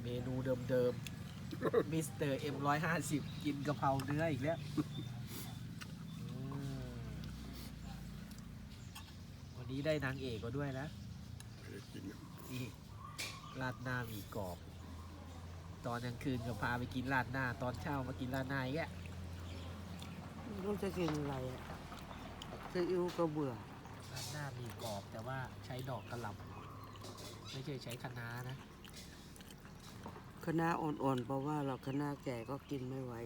เมนูเดิมๆมิสเตอร์M150กินกะเพราเนื้ออีกแล้ววันนี้ได้นางเอกมาด้วยนะนี่ราดหน้าหมี่กรอบตอนกลางคืนก็พาไปกินราดหน้าตอนเช้ามากินราดหน้าอีกแล้วต้องจะกินอะไรซีอิ๊วก็เบื่อราดหน้าหมี่กรอบแต่ว่าใช้ดอกกระหล่ำไม่ใช่ใช้คะน้านะคะน้าอ่อนๆเพราะว่าเราคะน้าแก่ก็กินไม่ไหว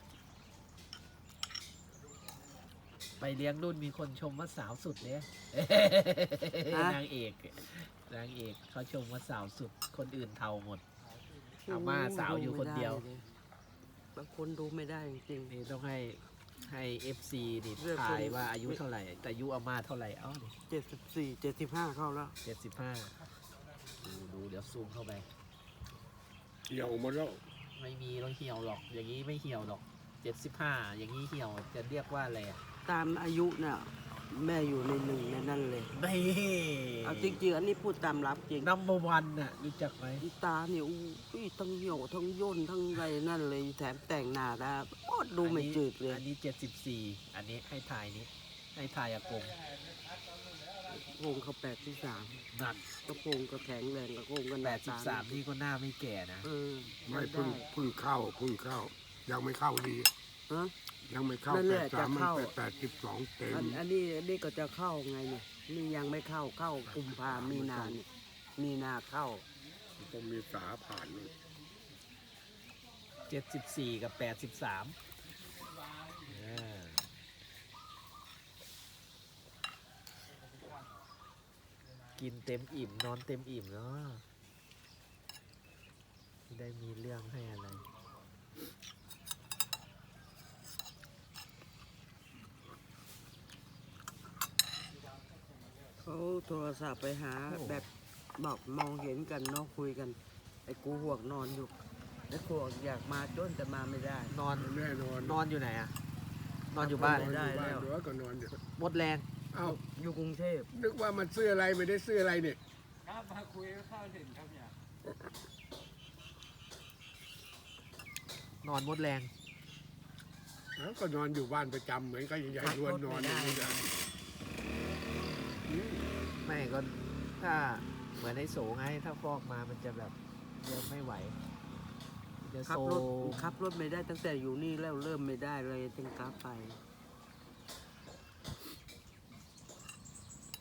ไปเลี้ยงรุ่นมีคนชมว่าสาวสุดเลยนางเอกเขาชมว่าสาวสุดคนอื่นเทาหมดอาม่าสาวอยู่คนเดียวบางคนดูไม่ได้จริงๆนี่ต้องให้FC นี่ทายว่าอายุเท่าไหร่แต่อายุอาม่าเท่าไหร่เอ้า 74 75เข้าแล้ว 75ดูเดี๋ยวซูมเข้าไปเหี่ยวหมดแล้วไม่มีเราเหี่ยวหรอกอย่างนี้ไม่เหี่ยวหรอก75อย่างนี้เหี่ยวจะเรียกว่าอะไรอ่ะตามอายุน่ะแม่อยู่ในหนึ่งในนั่นเลยไม่เอาจริงๆอันนี้พูดตามรับจริง Number 1น่ะรู้จักไหมตาเนี่ยอุ้ยทั้งเหี่ยวทั้งย่นทั้งอะไรนั่นเลยแถมแต่งหน้าได้โอ้ดูไม่จืดเลยอันนี้74อันนี้ให้ถ่ายนี้ให้ถ่ายอากงโกงเขา83 นั่นก็โกงก็แข็งแรงก็โกงกัน 83นี่ก็หน้าไม่แก่นะไม่เพิ่งเข้ายังไม่เข้าดียังไม่เข้า83มัน82เต็มอันนี้ก็จะเข้าไงเนี่ยนี่ยังไม่เข้ากุมภามีนาเนี่ยมีนาเข้าต้องมีสาผ่าน 74กับ83กินเต็มอิ่มนอนเต็มอิ่มเนาะไม่ได้มีเรื่องให้อะไรเขาโทรศัพท์ไปหาแบบบอกมองเห็นกันเนาะคุยกันไอ้กูห่วงนอนอยู่ไอ้กูอยากมาจนแต่มาไม่ได้นอนแน่นอนอยู่ไหนอะนอนอยู่บ้านได้แล้วก็นอนอยู่หมดแรงอยู่กรุงเทพนึกว่ามันซื้ออะไรไม่ได้ซื้ออะไรเนี่ยมาคุยข้าวถึงครับเนี่ยนอนหมดแรงก็นอนอยู่บ้านประจำเหมือนก็ใหญ่ๆล้วนนอนอย่างนี้ไม่ก็ถ้าเหมือนในโสไงถ้าฟอกมามันจะแบบเดินไม่ไหวขับรถไม่ได้ตั้งแต่อยู่นี่แล้วเริ่มไม่ได้เลยจึงกลับไป